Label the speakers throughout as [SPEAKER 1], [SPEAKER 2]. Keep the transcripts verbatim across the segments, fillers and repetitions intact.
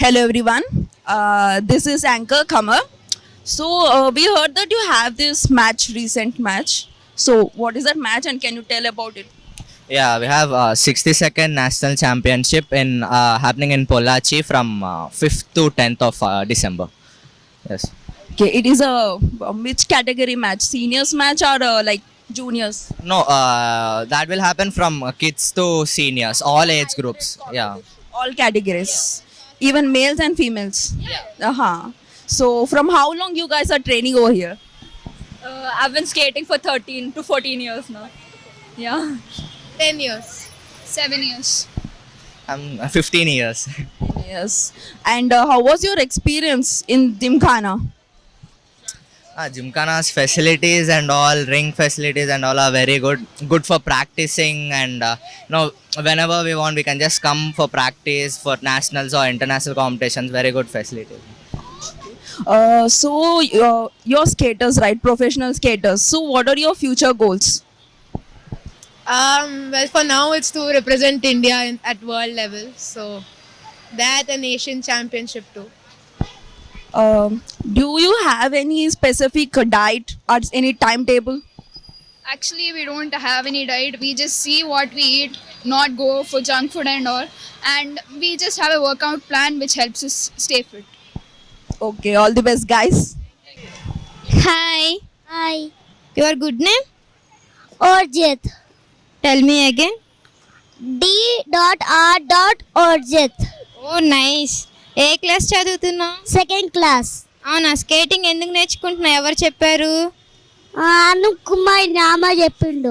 [SPEAKER 1] Hello everyone. Uh, this is Anchor Kamar. So uh, we heard that you have this match, recent match. So what is that match, and can you tell about it?
[SPEAKER 2] Yeah, we have uh, sixty-second National Championship in uh, happening in Pollachi from uh, fifth to tenth of uh, December. Yes.
[SPEAKER 1] Okay, it is a, a which category match? Seniors match or uh, like juniors?
[SPEAKER 2] No, uh, that will happen from uh, kids to seniors, all age groups. Yeah.
[SPEAKER 1] All categories, even males and females. Uh huh. So from how long you guys are training over here?
[SPEAKER 3] Uh, I've been skating for thirteen to fourteen years now. Yeah. ten years. seven years.
[SPEAKER 2] I'm uh, fifteen years.
[SPEAKER 1] Yes. And uh, how was your experience in Gymkhana?
[SPEAKER 2] Uh, Gymkhana's facilities and all, ring facilities and all are very good. Good for practicing, and uh, you know, whenever we want, we can just come for practice for nationals or international competitions. Very good facilities.
[SPEAKER 1] Uh, so uh, you're skaters, right? Professional skaters. So what are your future goals?
[SPEAKER 4] Um, well, for now, it's to represent India in, at world level. So that and Asian Championship too.
[SPEAKER 1] Um, do you have any specific diet or any timetable?
[SPEAKER 3] Actually, we don't have any diet. We just see what we eat, not go for junk food and all. And we just have a workout plan which helps us stay fit.
[SPEAKER 1] Okay, all the best, guys.
[SPEAKER 5] Hi,
[SPEAKER 6] Hi,
[SPEAKER 5] your good name?
[SPEAKER 6] Orjit.
[SPEAKER 5] Tell me again.
[SPEAKER 6] D dot R dot Orjit.
[SPEAKER 5] Oh nice. ఏ class చదువుతున్నావు?
[SPEAKER 6] Second class.
[SPEAKER 5] అవునా, skating ఎందుకు నేర్చుకుంటున్నావు? ఎవరు చెప్పారు?
[SPEAKER 6] అను కుమార్ నామ చెప్పిండు.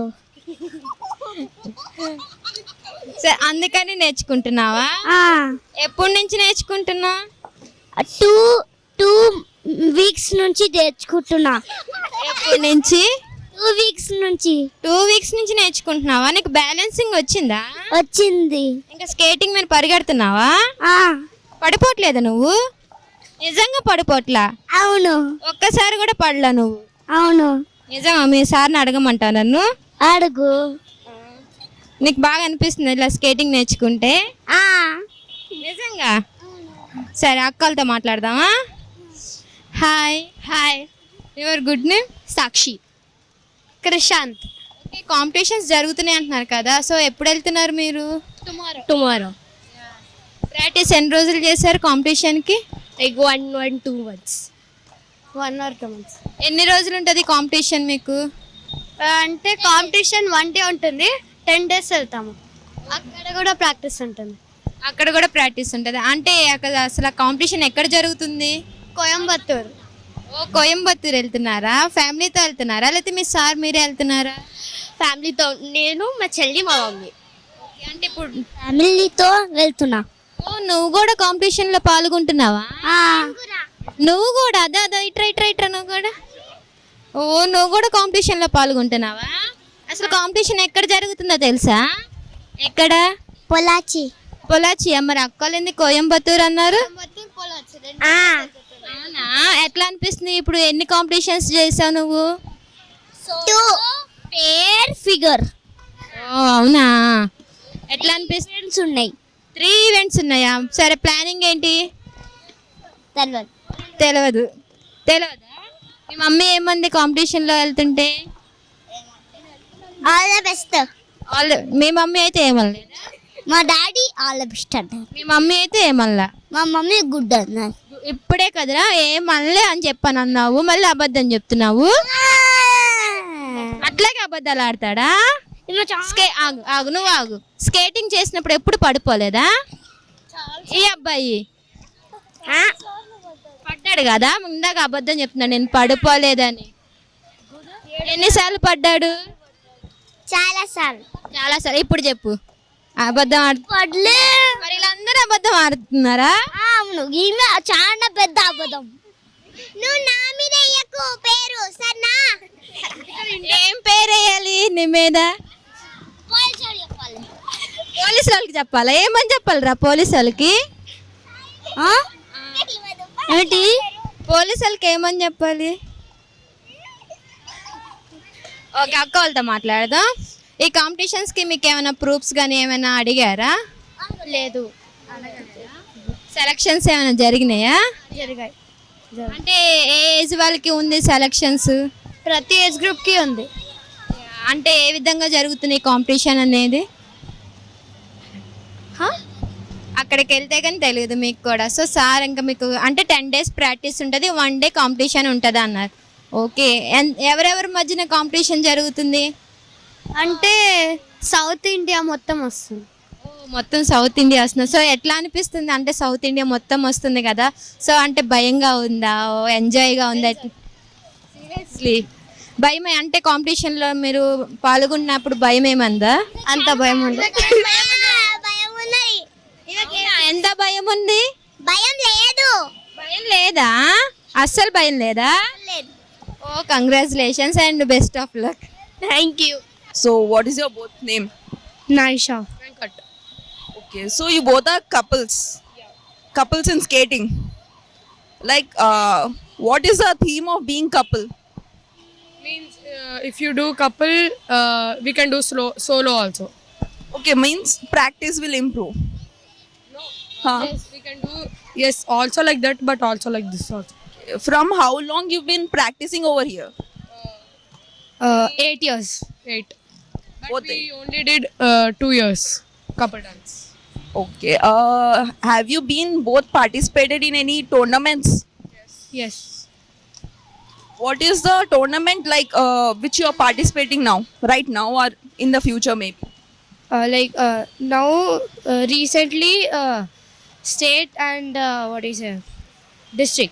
[SPEAKER 5] సరే, అందుకని నేర్చుకుంటున్నావా? ఎప్పటి నుంచి నేర్చుకుంటున్నావు?
[SPEAKER 6] టూ టూ వీక్స్ నుంచి నేర్చుకుంటున్నా.
[SPEAKER 5] ఎప్పటి నుంచి?
[SPEAKER 6] టూ వీక్స్ నుంచి
[SPEAKER 5] టూ వీక్స్ నుంచి నేర్చుకుంటున్నావా? నీకు బ్యాలెన్సింగ్ వచ్చిందా?
[SPEAKER 6] వచ్చింది.
[SPEAKER 5] ఇంకా స్కేటింగ్ మీద పరిగెడుతున్నావా?
[SPEAKER 6] ఆ,
[SPEAKER 5] పడిపోవట్లేదా నువ్వు? నిజంగా పడిపోట్లా?
[SPEAKER 6] అవును
[SPEAKER 5] ఒక్కసారి కూడా పడలా నువ్వు?
[SPEAKER 6] అవును.
[SPEAKER 5] నిజంగా మీ సార్ని అడగమంటా నన్ను?
[SPEAKER 6] అడుగు.
[SPEAKER 5] నీకు బాగా అనిపిస్తుంది ఇలా స్కేటింగ్ నేర్చుకుంటే?
[SPEAKER 6] ఆ,
[SPEAKER 5] నిజంగా? సరే, అక్కలతో మాట్లాడదామా? Hi.
[SPEAKER 6] Hi.
[SPEAKER 5] Your good name?
[SPEAKER 6] Sakshi. Prashanth.
[SPEAKER 5] Okay, competitions జరుగుతున్నాయి అంటున్నారు కదా, సో ఎప్పుడు వెళ్తున్నారు మీరు?
[SPEAKER 6] టుమారో. టుమారో.
[SPEAKER 5] ప్రాక్టీస్ ఎన్ని రోజులు చేశారు కాంపిటీషన్కి?
[SPEAKER 6] Like one one two months. One or two months.
[SPEAKER 5] ఎన్ని రోజులు ఉంటుంది కాంపిటీషన్ మీకు?
[SPEAKER 6] అంటే కాంపిటీషన్ వన్ డే ఉంటుంది, టెన్ డేస్ వెళ్తాము. అక్కడ కూడా ప్రాక్టీస్ ఉంటుంది.
[SPEAKER 5] అక్కడ కూడా ప్రాక్టీస్ ఉంటుంది. అంటే అక్కడ అసలు కాంపిటీషన్ ఎక్కడ జరుగుతుంది?
[SPEAKER 6] కోయంబత్తూర్.
[SPEAKER 5] ఓ, కోయంబత్తూర్ వెళ్తున్నారా? ఫ్యామిలీతో వెళ్తున్నారా లేకపోతే మీ సార్ మీరే వెళ్తున్నారా?
[SPEAKER 6] ఫ్యామిలీతో, నేను మా చెల్లి మా మమ్మీ.
[SPEAKER 5] ఓకే, అంటే ఇప్పుడు
[SPEAKER 6] ఫ్యామిలీతో వెళ్తున్నా.
[SPEAKER 5] ఓ, నువ్వు కూడా కాంపిటీషన్లో పాల్గొంటున్నావా? నువ్వు కూడా? అదా అదా ఇట్రా ఇట్రా ఇట్రా నువ్వు కూడా. ఓ, నువ్వు కూడా కాంపిటీషన్లో పాల్గొంటున్నావా? అసలు కాంపిటీషన్ ఎక్కడ జరుగుతుందో తెలుసా? ఎక్కడ?
[SPEAKER 6] పొలాచి.
[SPEAKER 5] పొలాచి. మరి అక్కలేంది కోయంబత్తూర్ అన్నారు? అవునా, ఎట్లా అనిపిస్తుంది ఇప్పుడు? ఎన్ని కాంపిటీషన్స్ చేసావు నువ్వు?
[SPEAKER 6] Two pair figure.
[SPEAKER 5] ఓ, అవునా, ఎట్లా అనిపిస్తుంది?
[SPEAKER 6] ఉన్నాయి.
[SPEAKER 5] త్రీ ఈవెంట్స్ ఉన్నాయా? సరే, ప్లానింగ్ ఏంటి?
[SPEAKER 6] తెలియదు.
[SPEAKER 5] తెలియదు. తెలియదా? మీ మమ్మీ ఏమంది కాంపిటీషన్లో వెళ్తుంటే?
[SPEAKER 6] All the best.
[SPEAKER 5] ఆల్ మీ మమ్మీ అయితే ఏమనలేదా?
[SPEAKER 6] మా డాడీ ఆల్ ద బెస్ట్ అన్నారు.
[SPEAKER 5] మీ మమ్మీ అయితే ఏమనలా?
[SPEAKER 6] మా మమ్మీ గుడ్ అన్నారు.
[SPEAKER 5] ఇప్పుడే కదరా ఏమనలే అని చెప్పాను అన్నావు, మళ్ళీ అబద్ధం చెప్తున్నావు. అట్లాగే అబద్ధాలు ఆడతాడా? స్కే ఆగు ఆగు నువ్వు ఆగు. స్కేటింగ్ చేసినప్పుడు ఎప్పుడు పడిపోలేదా ఈ అబ్బాయి? పడ్డాడు కదా, ఇందాక అబద్ధం చెప్తున్నాడు నేను పడిపోలేదని. ఎన్నిసార్లు పడ్డాడు?
[SPEAKER 6] చాలా సార్లు.
[SPEAKER 5] చాలా సార్లు. ఇప్పుడు చెప్పు, అబద్ధం ఆడు.
[SPEAKER 6] పడలే.
[SPEAKER 5] మరి వీళ్ళందరూ అబద్ధం ఆడుతున్నారా?
[SPEAKER 6] అవును, ఈమె చాలా పెద్ద అబద్ధం. నువ్వు నా మీద ఎయ్యకు పేరు సన్నా.
[SPEAKER 5] ఏం పేరు వేయాలి నీ మీద? పోలీసు వాళ్ళకి చెప్పాలా? ఏమని చెప్పాలిరా పోలీసు వాళ్ళకి?
[SPEAKER 6] ఏంటి?
[SPEAKER 5] పోలీసు వాళ్ళకి ఏమని చెప్పాలి? ఓకే, అక్క వాళ్ళతో మాట్లాడదాం. ఈ కాంపిటీషన్స్కి మీకు ఏమైనా ప్రూఫ్స్ కానీ ఏమైనా అడిగారా?
[SPEAKER 6] లేదు.
[SPEAKER 5] సెలక్షన్స్ ఏమైనా జరిగినాయా?
[SPEAKER 6] జరిగాయి
[SPEAKER 5] అంటే ఏ ఏజ్ వాళ్ళకి ఉంది సెలక్షన్స్?
[SPEAKER 6] ప్రతి ఏజ్ గ్రూప్కి ఉంది.
[SPEAKER 5] అంటే ఏ విధంగా జరుగుతున్నాయి కాంపిటీషన్ అనేది? అక్కడికి వెళ్తే కానీ తెలియదు మీకు కూడా. సో సార్ ఇంకా మీకు అంటే టెన్ డేస్ ప్రాక్టీస్ ఉంటుంది, వన్ డే కాంపిటీషన్ ఉంటుంది అన్నారు. ఓకే, ఎవరెవరి మధ్యన కాంపిటీషన్ జరుగుతుంది?
[SPEAKER 6] అంటే సౌత్ ఇండియా మొత్తం వస్తుంది.
[SPEAKER 5] ఓ, మొత్తం సౌత్ ఇండియా వస్తుంది. సో ఎట్లా అనిపిస్తుంది? అంటే సౌత్ ఇండియా మొత్తం వస్తుంది కదా, సో అంటే భయంగా ఉందా, ఎంజాయ్గా ఉందా? సీరియస్లీ భయం అంటే కాంపిటీషన్లో మీరు పాల్గొన్నప్పుడు భయం ఏమందా?
[SPEAKER 6] అంత భయం ఉంది.
[SPEAKER 5] ఎంత భయం ఉంది?
[SPEAKER 6] భయం లేదు.
[SPEAKER 5] భయం లేదా? అస్సలు భయం లేదా? Oh, congratulations and best of luck.
[SPEAKER 6] Thank you.
[SPEAKER 1] So what is your both name?
[SPEAKER 6] Naisha.
[SPEAKER 1] Okay, so you both are couples. Couples in skating. Like, uh, what is the theme of being couple?
[SPEAKER 7] Means uh, if you do couple, uh, we can do slow, solo also.
[SPEAKER 1] Okay, means practice will improve. Huh?
[SPEAKER 7] Yes, we can do yes also like that, but also like this also.
[SPEAKER 1] From how long you've been practicing over here?
[SPEAKER 7] Uh, eight years. Eight. But
[SPEAKER 1] Both
[SPEAKER 7] we
[SPEAKER 1] eight.
[SPEAKER 7] only did uh, two years couple dance.
[SPEAKER 1] Okay. Uh, have you been both participated in any tournaments?
[SPEAKER 7] Yes.
[SPEAKER 1] What is the tournament like uh, which you are participating now, right now, or in the future maybe?
[SPEAKER 8] Uh, like uh, now uh, recently uh, state and uh, what is it district.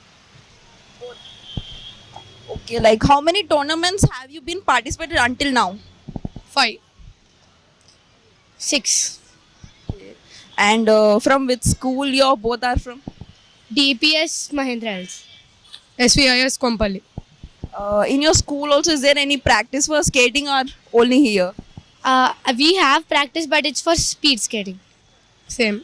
[SPEAKER 1] Okay, like how many tournaments have you been participated until now?
[SPEAKER 7] Five.
[SPEAKER 8] Six.
[SPEAKER 1] And uh, from which school you both are from?
[SPEAKER 8] D P S Mahendra Hills.
[SPEAKER 7] S V I S Kompally.
[SPEAKER 1] Uh, in your school also, is there any practice for skating or only here?
[SPEAKER 8] Uh, we have practice, but it's for speed skating.
[SPEAKER 7] Same.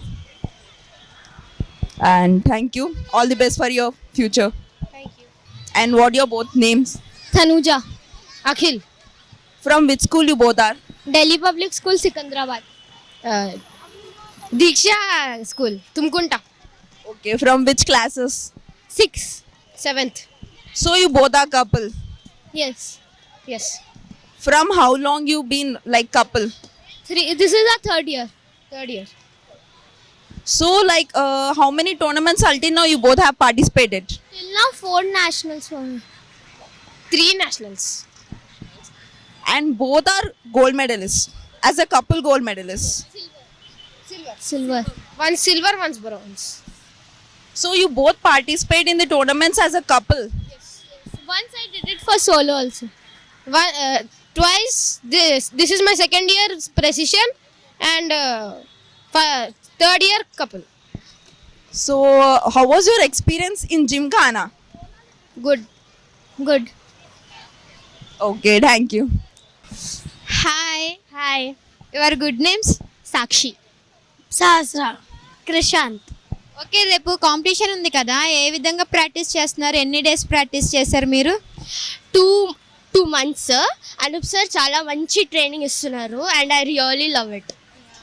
[SPEAKER 1] And thank you. All the best for your future.
[SPEAKER 8] Thank you.
[SPEAKER 1] And what your both names?
[SPEAKER 6] Tanuja.
[SPEAKER 8] Akhil.
[SPEAKER 1] From which school you both are?
[SPEAKER 6] Delhi public school Secunderabad.
[SPEAKER 8] Uh, Diksha School. Tumkunta.
[SPEAKER 1] Okay, from which classes?
[SPEAKER 8] Six. Seventh.
[SPEAKER 1] So you both are couple.
[SPEAKER 6] Yes.
[SPEAKER 8] Yes.
[SPEAKER 1] From how long you been like couple?
[SPEAKER 6] Three this is the third year.
[SPEAKER 8] Third year.
[SPEAKER 1] So like uh, how many tournaments until now you both have participated?
[SPEAKER 6] Till now four nationals.
[SPEAKER 8] Three nationals.
[SPEAKER 1] And both are gold medalists. As a couple gold medalists.
[SPEAKER 6] Silver.
[SPEAKER 8] One silver, one's bronze.
[SPEAKER 1] So you both participate in the tournaments as a couple.
[SPEAKER 6] Once I did it for solo also.
[SPEAKER 8] One uh, twice. This this is my second year precision and uh, fi- third year couple.
[SPEAKER 1] So how was your experience in Gymkhana?
[SPEAKER 8] Good.
[SPEAKER 6] Good.
[SPEAKER 1] Okay, thank you.
[SPEAKER 5] Hi,
[SPEAKER 6] hi.
[SPEAKER 5] Your good names?
[SPEAKER 6] Sakshi. Sahasra. Krishanth.
[SPEAKER 5] Okay, రేపు competition ఉంది కదా, ఏ విధంగా practice చేస్తున్నారు? ఎన్ని days practice చేశారు మీరు?
[SPEAKER 6] Two two months. Anoop sir చాలా మంచి ట్రైనింగ్ ఇస్తున్నారు and I really love it.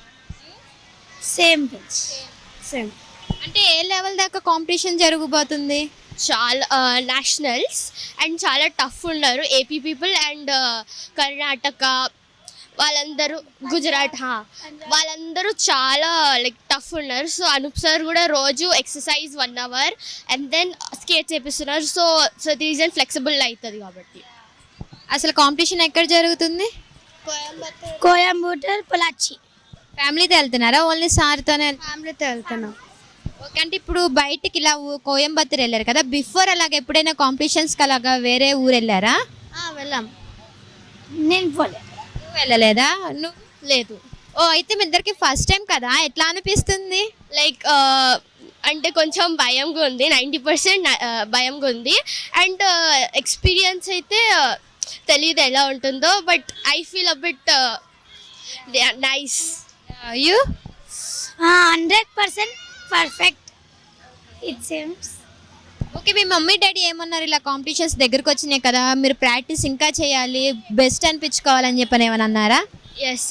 [SPEAKER 6] Same same.
[SPEAKER 5] అంటే ఏ లెవెల్ దాకా కాంపిటీషన్ జరగబోతుంది?
[SPEAKER 6] చాలా నేషనల్స్ అండ్ చాలా టఫ్ ఉన్నారు. ఏపీ పీపుల్ అండ్ కర్ణాటక వాళ్ళందరూ, గుజరాత్, హా, వాళ్ళందరూ చాలా లైక్ టఫ్ ఉన్నారు. సో అనూప్ సార్ కూడా రోజు exercise one hour and then skate చేపిస్తున్నారు. సో సో రీజన్ ఫ్లెక్సిబుల్ అవుతుంది కాబట్టి.
[SPEAKER 5] అసలు కాంపిటీషన్ ఎక్కడ జరుగుతుంది?
[SPEAKER 6] కోయంబత్తూర్, పొలాచి.
[SPEAKER 5] ఫ్యామిలీతో వెళ్తున్నారా? ఓన్లీ సార్తోనే?
[SPEAKER 6] ఫ్యామిలీతో వెళ్తున్నాం.
[SPEAKER 5] ఓకే, అంటే ఇప్పుడు బయటికి ఇలా ఊ- కోయంబత్తూర్ వెళ్ళారు కదా, బిఫోర్ అలాగ ఎప్పుడైనా కాంపిటీషన్స్కి అలాగా వేరే ఊరు వెళ్ళారా?
[SPEAKER 6] వెళ్ళాం. నేను పోలే.
[SPEAKER 5] నువ్వు వెళ్ళలేదా? నువ్వు?
[SPEAKER 6] లేదు.
[SPEAKER 5] ఓ, అయితే మీ ఇద్దరికి ఫస్ట్ టైం కదా, ఎట్లా అనిపిస్తుంది?
[SPEAKER 6] లైక్ అంటే కొంచెం భయంగా ఉంది, నైంటీ పర్సెంట్ భయంగా ఉంది. అండ్ ఎక్స్పీరియన్స్ అయితే uh, తెలియదు ఎలా ఉంటుందో, but I feel a bit nice.
[SPEAKER 5] You?
[SPEAKER 6] Hundred percent perfect it seems.
[SPEAKER 5] Okay, మీ మమ్మీ డాడీ ఏమన్నారు? ఇలా కాంపిటీషన్స్ దగ్గరకు వచ్చినాయి కదా, మీరు ప్రాక్టీస్ ఇంకా చేయాలి, బెస్ట్ అనిపించుకోవాలని చెప్పని ఏమని అన్నారా?
[SPEAKER 6] ఎస్.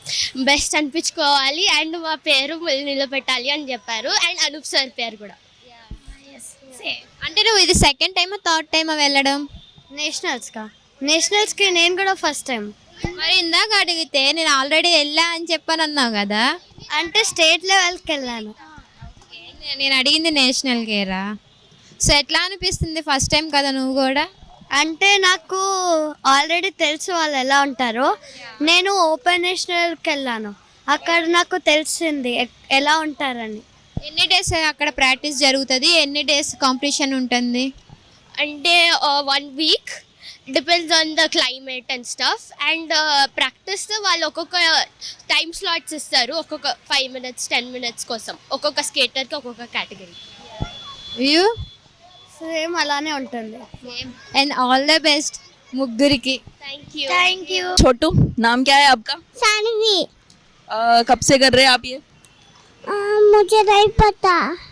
[SPEAKER 6] బెస్ట్ అనిపించుకోవాలి అండ్ మా పేరు నిలబెట్టాలి అని చెప్పారు అండ్ అనూప్ సార్ పేరు కూడా.
[SPEAKER 5] అంటే నువ్వు ఇది సెకండ్ టైమా థర్డ్ టైమా వెళ్ళడం?
[SPEAKER 8] నేషనల్స్కా నేషనల్స్కి నేను కూడా ఫస్ట్ టైం.
[SPEAKER 5] మరి ఇందాక అడిగితే నేను ఆల్రెడీ వెళ్ళా అని చెప్పాను అన్నావు కదా.
[SPEAKER 8] అంటే స్టేట్ లెవెల్కి వెళ్ళాను.
[SPEAKER 5] నే- నేను అడిగింది నేషనల్ కేరా. సో ఎట్లా అనిపిస్తుంది ఫస్ట్ టైం కదా నువ్వు కూడా?
[SPEAKER 8] అంటే నాకు ఆల్రెడీ తెలుసు వాళ్ళు ఎలా ఉంటారో. నేను ఓపెన్ నేషనల్కి వెళ్ళాను, అక్కడ నాకు తెలిసింది ఎ- ఎలా ఉంటారని.
[SPEAKER 5] ఎన్ని డేస్ అక్కడ ప్రాక్టీస్ జరుగుతుంది, ఎన్ని డేస్ కాంపిటీషన్ ఉంటుంది?
[SPEAKER 6] అంటే one week depends on the climate and stuff and practice వాళ్ళు ఒక్కొక్క టైం స్లాట్స్ ఇస్తారు, ఒక్కొక్క ఫైవ్ మినిట్స్ టెన్ మినిట్స్ కోసం ఒక్కొక్క స్కేటర్కి ఒక్కొక్క కేటగిరీ.
[SPEAKER 5] యూ
[SPEAKER 8] సేమ్ అలానే ఉంటుంది.
[SPEAKER 5] అండ్ ఆల్ ద బెస్ట్ ముగ్గురికి.
[SPEAKER 6] Thank you.
[SPEAKER 8] Thank you.
[SPEAKER 1] Chhotu, नाम क्या है आपका?
[SPEAKER 8] सानवी.
[SPEAKER 1] अ, कब से कर रहे हैं आप ये?
[SPEAKER 8] मुझे नहीं पता.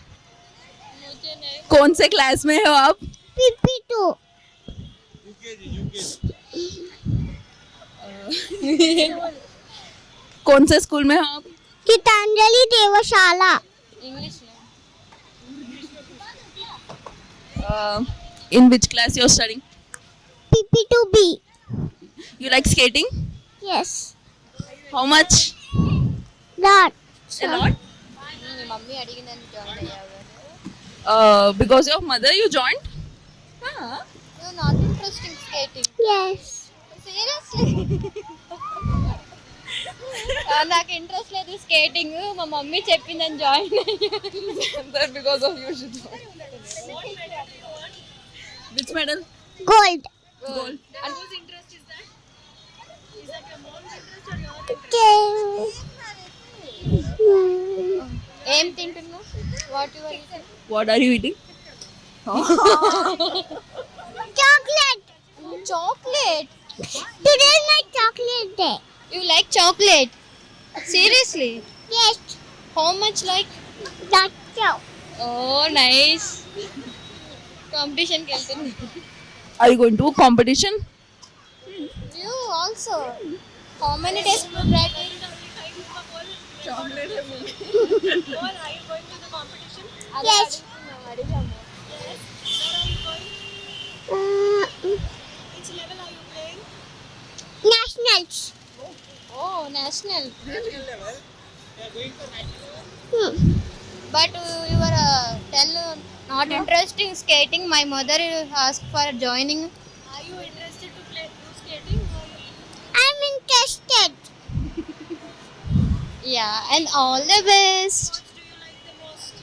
[SPEAKER 1] कौन से क्लास में हो आप?
[SPEAKER 8] PP two.
[SPEAKER 1] कौन से स्कूल में हो आप?
[SPEAKER 8] Gitanjali Devshala.
[SPEAKER 1] Uh, in which class you're studying?
[SPEAKER 8] PP two B.
[SPEAKER 1] You like skating?
[SPEAKER 8] Yes.
[SPEAKER 1] How much?
[SPEAKER 8] Lot.
[SPEAKER 1] A lot. Uh, because of mother you joined? Huh?
[SPEAKER 5] Not interesting skating.
[SPEAKER 8] Yes.
[SPEAKER 5] Seriously నాకు interest లేదు skating, మా mummy చెప్పిందని join అయ్యాను.
[SPEAKER 1] That because of you should know. Which medal?
[SPEAKER 8] Gold.
[SPEAKER 1] Gold.
[SPEAKER 5] And whose interest is that? Is that your mom's interest or your
[SPEAKER 8] Okay.
[SPEAKER 5] ఏం తింటున్నావు? What your eating?
[SPEAKER 1] What are you eating?
[SPEAKER 8] Chocolate.
[SPEAKER 5] Chocolate.
[SPEAKER 8] Today is my chocolate day.
[SPEAKER 5] You like chocolate? Seriously?
[SPEAKER 8] Yes.
[SPEAKER 5] How much like?
[SPEAKER 8] That's so.
[SPEAKER 5] Oh nice. కాంపిటీషన్కి వెళ్తున్నా.
[SPEAKER 1] Are you going to competition?
[SPEAKER 5] You also. How many days practice?
[SPEAKER 8] Yes. Uh,
[SPEAKER 5] Which level are you playing?
[SPEAKER 8] nationals.
[SPEAKER 5] Oh, national.
[SPEAKER 8] Hmm.
[SPEAKER 5] But uh, you were uh, tell uh, not interesting skating. My mother asked for joining.
[SPEAKER 7] Are you interested to play do skating? Or
[SPEAKER 8] I'm interested.
[SPEAKER 5] Yeah, and all the best.
[SPEAKER 7] what do you like the most?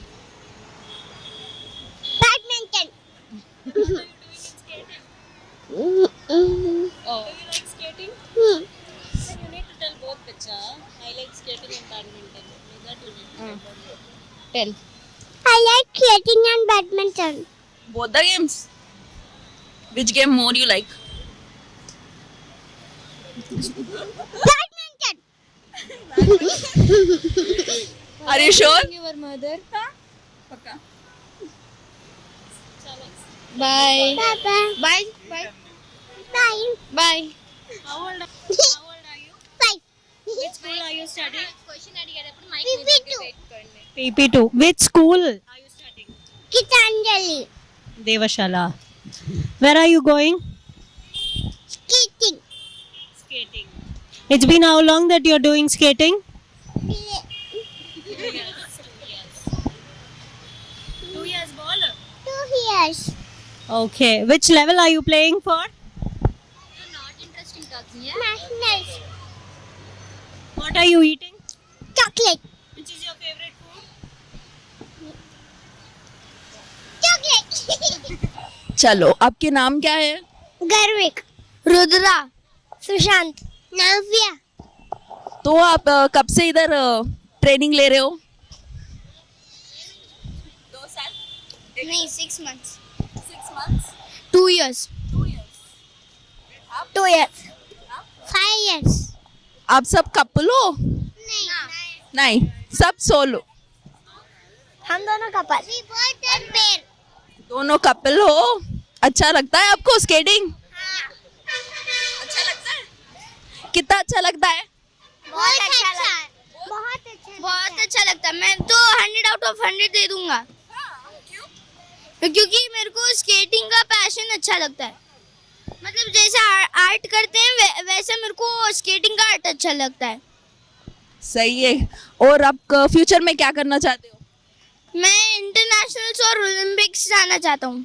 [SPEAKER 8] Badminton.
[SPEAKER 7] What are you doing in skating?
[SPEAKER 8] Mm-mm.
[SPEAKER 5] Oh.
[SPEAKER 7] Do you like skating?
[SPEAKER 8] Hmm.
[SPEAKER 7] Then you need to tell both, Picha. I like skating and badminton. Is that you need to tell both?
[SPEAKER 5] Tell.
[SPEAKER 8] I like skating and badminton.
[SPEAKER 1] Both the games. Which game more you like?
[SPEAKER 8] Badminton.
[SPEAKER 1] Are you sure?
[SPEAKER 5] Your mother.
[SPEAKER 1] Pakka.
[SPEAKER 5] Bye.
[SPEAKER 8] Bye bye.
[SPEAKER 5] Bye. Bye.
[SPEAKER 8] Bye.
[SPEAKER 5] Bye.
[SPEAKER 7] How old, how old are you?
[SPEAKER 8] Five.
[SPEAKER 7] Which school are you studying?
[SPEAKER 5] Question అడిగేటప్పుడు mic
[SPEAKER 8] P P two.
[SPEAKER 5] పెట్టుకోండి.
[SPEAKER 9] P P two. Which school?
[SPEAKER 7] Are you studying?
[SPEAKER 8] Gitanjali.
[SPEAKER 9] Devashala. Where are you going?
[SPEAKER 8] Skating.
[SPEAKER 7] Skating.
[SPEAKER 9] It's been how long that you're doing skating?
[SPEAKER 7] Two years ball.
[SPEAKER 8] Two years.
[SPEAKER 9] Okay. Which level are you playing for?
[SPEAKER 5] You're not interesting talking, yeah?
[SPEAKER 8] Nationals.
[SPEAKER 9] What are you eating?
[SPEAKER 8] Chocolate.
[SPEAKER 7] Which is your favorite food?
[SPEAKER 8] Chocolate.
[SPEAKER 1] चलो, आपके नाम क्या है?
[SPEAKER 8] गर्विक. रुद्रा. सुशांत. नव्या.
[SPEAKER 1] तो आप अ, कब से इधर ट्रेनिंग ले रहे हो? दो साल.
[SPEAKER 8] नहीं, six months.
[SPEAKER 1] Six months.
[SPEAKER 8] Two years.
[SPEAKER 1] Two years.
[SPEAKER 8] Two years. Five years.
[SPEAKER 1] आप सब कपल हो?
[SPEAKER 8] नहीं.
[SPEAKER 1] नहीं, सब सोलो.
[SPEAKER 8] हम दोनों couple. We both are pair.
[SPEAKER 1] दोनों कपल हो. अच्छा लगता है आपको स्केटिंग? अच्छा लगता है? कितना अच्छा लगता है?
[SPEAKER 6] बहुत अच्छा बहुत अच्छा बहुत अच्छा लगता है. मैं तो हंड्रेड आउट ऑफ हंड्रेड दे दूंगा. क्योंकि मेरे को स्केटिंग का पैशन अच्छा लगता है. मतलब जैसे आर्ट करते हैं वै, वैसे मेरे को स्केटिंग का आर्ट अच्छा लगता है.
[SPEAKER 1] सही है. और आप फ्यूचर में क्या करना चाहते हो?
[SPEAKER 6] मैं इंटरनेशनल्स और ओलंपिक्स जाना चाहता हूँ.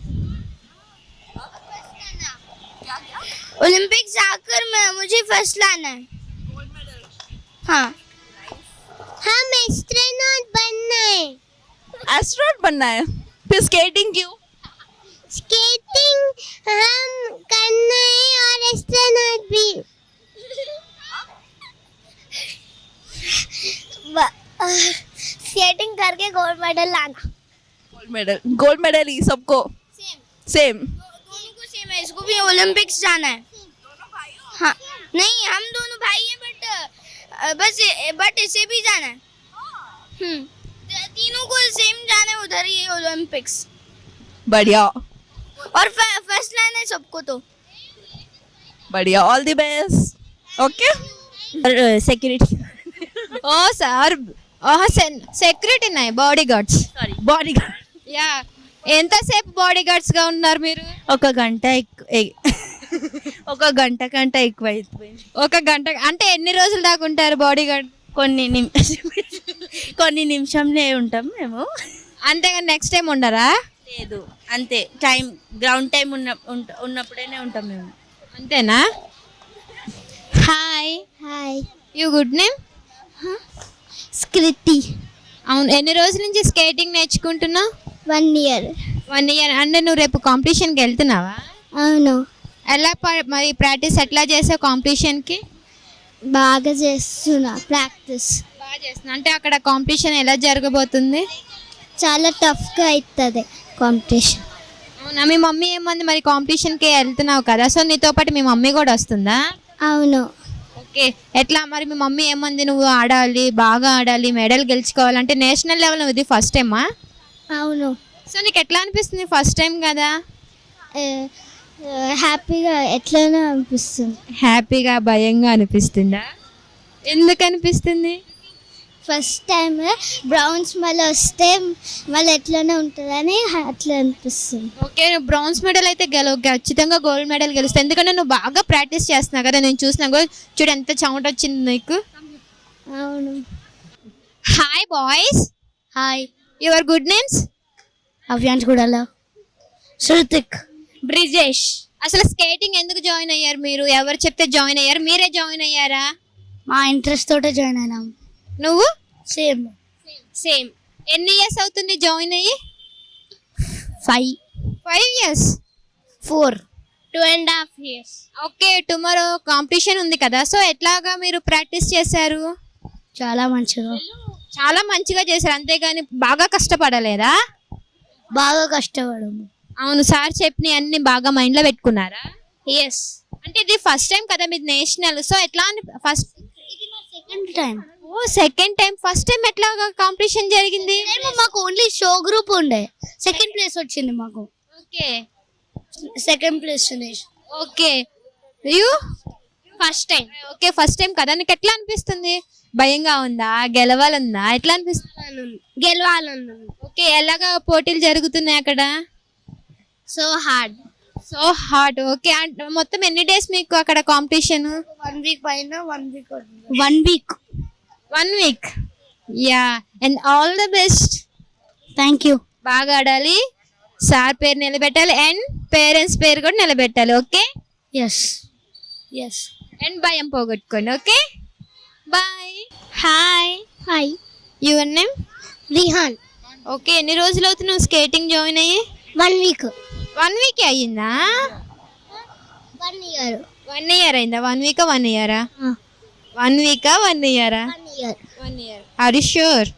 [SPEAKER 6] ओलंपिक्स जाकर मैं मुझे फर्स्ट लाना है. हाँ हम एस्ट्रोनॉट बनना है.
[SPEAKER 1] एस्ट्रोनॉट बनना है. फिर स्केटिंग क्यों?
[SPEAKER 6] स्केटिंग हम करना है और एस्ट्रोनॉट भी. स्केटिंग करके गोल्ड मेडल लाना.
[SPEAKER 1] Gold medal. गोल्ड मेडल ही सबको
[SPEAKER 6] सेम
[SPEAKER 1] सेम.
[SPEAKER 6] दोनों को सेम है. इसको भी ओलंपिक्स जाना है. हाँ नहीं हम दोनों भाई हैं बट बस बट इसे भी जाना है. हम्म तीनों को सेम जाना है उधर ही ओलंपिक्स.
[SPEAKER 1] बढ़िया
[SPEAKER 6] और फर्स्ट लाना है सबको. तो
[SPEAKER 1] बढ़िया. All the best. Okay.
[SPEAKER 5] Security oh sir security నాయి bodyguards
[SPEAKER 9] sorry bodyguard
[SPEAKER 5] yeah ఎంతసేపు బాడీ గార్డ్స్ గా ఉన్నారు మీరు?
[SPEAKER 9] ఒక గంట ఎక్కు- ఎ- ఒక గంట కంటే ఎక్కువ అయిపోయింది.
[SPEAKER 5] ఒక గంట అంటే ఎన్ని రోజులు దాకా ఉంటారు బాడీ గార్డ్?
[SPEAKER 9] కొన్ని నిమిషం కొన్ని నిమిషంలే ఉంటాం మేము.
[SPEAKER 5] అంతేగాని నెక్స్ట్ టైం ఉండరా?
[SPEAKER 9] లేదు అంతే టైం గ్రౌండ్ టైం ఉన్న ఉంట- ఉన్నప్పుడేనే ఉంటాం మేము.
[SPEAKER 5] అంతేనా? Hi
[SPEAKER 6] hi
[SPEAKER 5] you good name?
[SPEAKER 6] స్క్రితి
[SPEAKER 5] అవును. ఎన్ని రోజుల నుంచి స్కేటింగ్ నేర్చుకుంటున్నావు?
[SPEAKER 6] One year.
[SPEAKER 5] One year. అంటే నువ్వు రేపు కాంపిటీషన్కి వెళ్తున్నావా?
[SPEAKER 6] అవును
[SPEAKER 5] ఎలా ప- మరి ప్రాక్టీస్ ఎట్లా చేసావు కాంపిటీషన్కి?
[SPEAKER 6] బాగా చేస్తున్నా ప్రాక్టీస్.
[SPEAKER 5] బాగా చేస్తున్నా. అంటే అక్కడ కాంపిటీషన్ ఎలా జరగబోతుంది?
[SPEAKER 6] చాలా టఫ్గా అవుతుంది కాంపిటీషన్.
[SPEAKER 5] అవునా? మీ మమ్మీ ఏమంది మరి కాంపిటీషన్కి వెళ్తున్నావు కదా, సో నీతో పాటు మీ మమ్మీ కూడా వస్తుందా?
[SPEAKER 6] అవును
[SPEAKER 5] ఓకే. ఎట్లా మరి మీ మమ్మీ ఏమంది? నువ్వు ఆడాలి, బాగా ఆడాలి, మెడల్ గెలుచుకోవాలంటే నేషనల్ లెవెల్ ఇది ఫస్ట్ టైమా?
[SPEAKER 6] అవును
[SPEAKER 5] సో నీకు ఎట్లా అనిపిస్తుంది? ఫస్ట్ టైం కదా.
[SPEAKER 6] హ్యాపీగా ఎట్లనో అనిపిస్తుంది.
[SPEAKER 5] హ్యాపీగా భయంగా అనిపిస్తుందా? ఎందుకు అనిపిస్తుంది?
[SPEAKER 6] ఫస్ట్ టైం బ్రౌన్స్ మళ్ళీ వస్తే మళ్ళీ ఎట్లనే ఉంటుందని అట్లా అనిపిస్తుంది.
[SPEAKER 5] ఓకే. నువ్వు బ్రాంజ్ మెడల్ అయితే గెలవు, ఖచ్చితంగా గోల్డ్ మెడల్ గెలుస్తావు. ఎందుకంటే నువ్వు బాగా ప్రాక్టీస్ చేస్తున్నావు కదా, నేను చూసినా కూడా. చూడు ఎంత చెమట వచ్చింది నీకు.
[SPEAKER 6] అవును.
[SPEAKER 5] Hi boys.
[SPEAKER 6] Hi.
[SPEAKER 5] Your good names?
[SPEAKER 6] Avyansh కూడా. శృతిక్.
[SPEAKER 5] బ్రిజేష్. అసలు స్కేటింగ్ ఎందుకు జాయిన్ అయ్యారు మీరు? ఎవరు చెప్తే జాయిన్ అయ్యారు? మీరే జాయిన్ అయ్యారా?
[SPEAKER 6] మా ఇంట్రెస్ట్ తోటే జాయిన్ అయినాం.
[SPEAKER 5] నువ్వు?
[SPEAKER 6] Same
[SPEAKER 5] same. ఎన్ని ఇయర్స్ అవుతుంది జాయిన్ అయ్యి?
[SPEAKER 6] Five
[SPEAKER 5] five years.
[SPEAKER 6] Four two and half years.
[SPEAKER 5] Okay. Tomorrow competition ఉంది కదా, సో ఎట్లాగా మీరు ప్రాక్టీస్ చేశారు?
[SPEAKER 6] చాలా మంచిగా
[SPEAKER 5] చాలా మంచిగా చేశారు, అంతేగాని బాగా కష్టపడలేదా?
[SPEAKER 6] బాగా కష్టపడము.
[SPEAKER 5] అవును. సార్ చెప్పిన అన్ని బాగా మైండ్లో పెట్టుకున్నారా?
[SPEAKER 6] ఎస్.
[SPEAKER 5] అంటే ఇది ఫస్ట్ టైం కదా మీది నేషనల్, సో ఎట్లా first?
[SPEAKER 6] Second time.
[SPEAKER 5] Oh second time. First time ఎట్లా కాంపిటీషన్ జరిగింది?
[SPEAKER 6] మాకు ఓన్లీ షో గ్రూప్ ఉండే, సెకండ్ ప్లేస్ వచ్చింది మాకు.
[SPEAKER 5] Okay.
[SPEAKER 6] Second place.
[SPEAKER 5] Okay. You first time. Okay. First time కదా, నీకు ఎట్లా అనిపిస్తుంది? భయంగా ఉందా, గెలవాలందా, ఎట్లా అనిపిస్తుంది?
[SPEAKER 6] గెలవాలన్నా.
[SPEAKER 5] ఓకే. ఎలాగా పోటీలు జరుగుతున్నాయి అక్కడ?
[SPEAKER 6] So hard.
[SPEAKER 5] So hard. Okay. మొత్తం ఎన్ని డేస్ మీకు అక్కడ కాంపిటీషన్?
[SPEAKER 6] వన్ వీక్ పైన. One week one week
[SPEAKER 5] one week. Yeah. And all the best.
[SPEAKER 6] Thank you.
[SPEAKER 5] బాగా ఆడాలి, సార్ పేరు నిలబెట్టాలి, అండ్ పేరెంట్స్ పేరు కూడా నిలబెట్టాలి. ఓకే.
[SPEAKER 6] Yes yes.
[SPEAKER 5] అండ్ భయం పోగొట్టుకోండి. Okay. Bye.
[SPEAKER 6] Hi. Hi.
[SPEAKER 5] Your name?
[SPEAKER 6] Rihan.
[SPEAKER 5] Okay. ఎన్ని రోజులు అవుతుంది నువ్వు స్కేటింగ్ జాయిన్ అయ్యి?
[SPEAKER 6] One week.
[SPEAKER 5] వన్ వీక్ అయ్యిందా?
[SPEAKER 6] One year.
[SPEAKER 5] వన్ ఇయర్ అయిందా? వన్ వీకా వన్ ఇయరా? వన్ వీకా వన్ ఇయరా?
[SPEAKER 6] One year.
[SPEAKER 5] One year. Are you sure?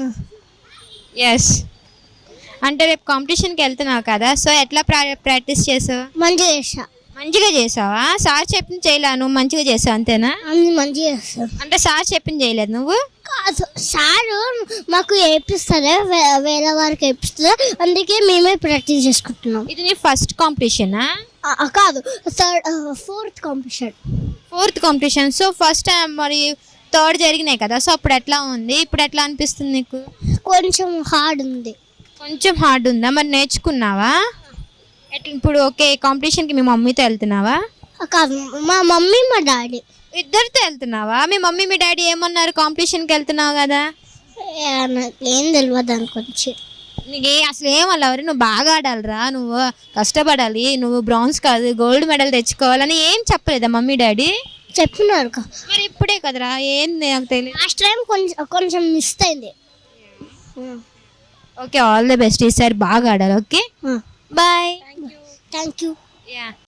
[SPEAKER 5] Yes. అంటే రేపు కాంపిటీషన్కి వెళ్తున్నావు కదా, సో ఎట్లా ప్రా ప్రాక్టీస్ చేసావు?
[SPEAKER 6] మంచిగా చేసా.
[SPEAKER 5] మంచిగా చేసావా? సార్ చెప్పింది చేయలే, నువ్వు మంచిగా చేసావు అంతేనా?
[SPEAKER 6] అన్ని మంచిగా చేస్తాం.
[SPEAKER 5] అంటే సార్ చెప్పింది చేయలేదు నువ్వు?
[SPEAKER 6] కాదు, సారు మాకు వేపిస్తారే, వేరే వారికి వేపిస్తారు, అందుకే మేమే ప్రాక్టీస్ చేసుకుంటున్నాం.
[SPEAKER 5] ఇది నీ ఫస్ట్ కాంపిటీషనా?
[SPEAKER 6] కాదు, third fourth competition.
[SPEAKER 5] Fourth competition. So first మరి థర్డ్ జరిగినాయి కదా, సో అప్పుడు ఎట్లా ఉంది, ఇప్పుడు ఎట్లా అనిపిస్తుంది నీకు?
[SPEAKER 8] కొంచెం హార్డ్ ఉంది.
[SPEAKER 5] కొంచెం హార్డ్ ఉందా? మరి నేర్చుకున్నావా ఎట్లా? ఇప్పుడు ఓకే, కాంపిటీషన్కి మీ మమ్మీతో వెళ్తున్నావా?
[SPEAKER 8] మా మమ్మీ మా డాడీ
[SPEAKER 5] ఇద్దరితో వెళ్తున్నావా? మీ మమ్మీ మీ డాడీ ఏమన్నారు కాంపిటీషన్కి వెళ్తున్నావు కదా?
[SPEAKER 8] ఏం తెలియదు దాని గురించి.
[SPEAKER 5] నీకు ఏ అసలు ఏమల్లవరు, నువ్వు బాగా ఆడాలిరా, నువ్వు కష్టపడాలి, నువ్వు బ్రాంజ్ కాదు గోల్డ్ మెడల్ తెచ్చుకోవాలని ఏం చెప్పలేదా మమ్మీ డాడీ?
[SPEAKER 8] చెప్పినారు.
[SPEAKER 5] మరి ఇప్పుడే కదరా, ఏం నాకు తెలియదు.
[SPEAKER 8] లాస్ట్ టైం కొంచెం కొంచెం మిస్ అయింది.
[SPEAKER 5] ఓకే, ఆల్ ది బెస్ట్, ఈసారి బాగా ఆడాలి. Okay, bye.
[SPEAKER 8] Thank you.
[SPEAKER 5] Yeah